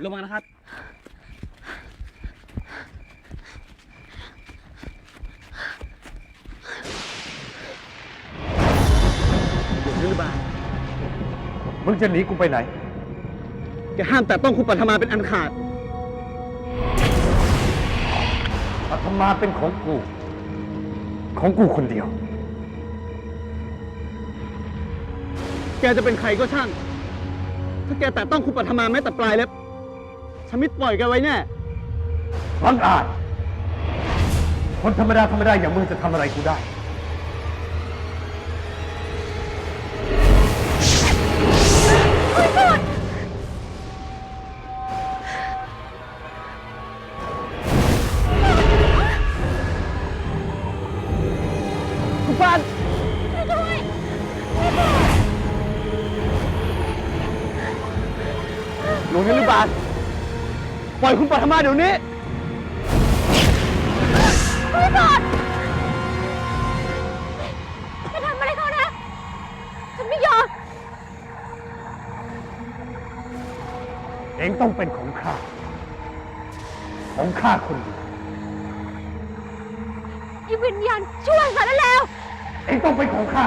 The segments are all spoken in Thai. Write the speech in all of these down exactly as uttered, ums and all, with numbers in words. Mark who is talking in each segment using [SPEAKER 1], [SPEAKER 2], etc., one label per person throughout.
[SPEAKER 1] ลงมานะครับหรือเปล่า
[SPEAKER 2] มึงจะหนีกูไปไหน
[SPEAKER 1] จะห้ามแต่ต้องคุณปัทมาเป็นอันขาด
[SPEAKER 2] ปัทมาเป็นของกูของกูคนเดียว
[SPEAKER 1] แกจะเป็นใครก็ช่างถ้าแกแต่ต้องคุณปัทมาแม้แต่ปลายเล็บฉันไม่ปล่อยแกไว้แน่
[SPEAKER 2] บังอาจคนธรรมดาธรรมดาอย่างมึงจะทำอะไรกูได้
[SPEAKER 1] คุณปานหลวงนฤบาลปล่อยคุณปัทมาเดี๋ยวนี้
[SPEAKER 3] ไม่ก่อนจะทำอะไรเขานะฉันไม่ยอม
[SPEAKER 2] เองต้องเป็นของข้าของข้าคนเดียว
[SPEAKER 3] อีวิญญาณชั่วสารแล้ว
[SPEAKER 2] เองต้องเป็นของข้า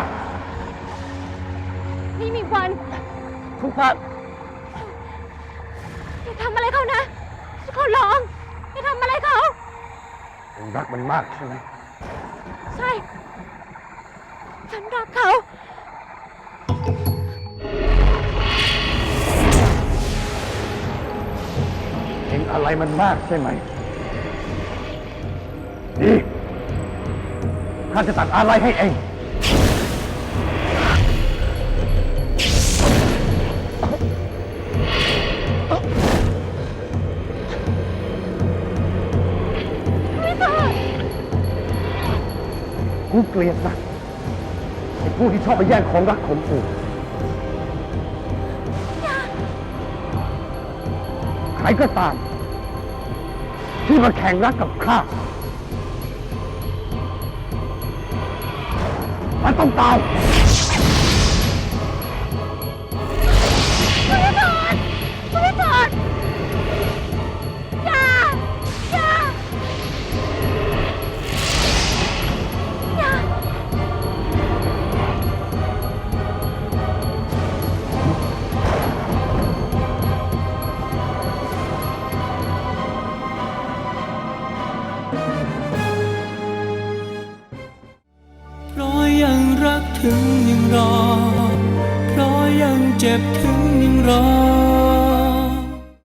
[SPEAKER 3] ไม่มีวัน
[SPEAKER 1] คุณปาน
[SPEAKER 3] อย่าทำอะไรเขานะฉันขอร้องอย่าทำอะไรเขา
[SPEAKER 2] เองรักมันมากใช่ไหม
[SPEAKER 3] ใช่ฉันรักเขา
[SPEAKER 2] เองอะไรมันมากใช่ไหมดีข้าจะตัดอะไรให้เองกูเกลียดนะไอ้ผู้ที่ชอบไปแย่งของรักของกูใครก็ตามที่มาแข่งรักกับข้ามันต้องตาย
[SPEAKER 3] คุณพิธรคุณพิธรอย่าอย่าอย่า
[SPEAKER 4] เพราะยังรักถึงยังรอเพราะยังเจ็บถึงยังรอ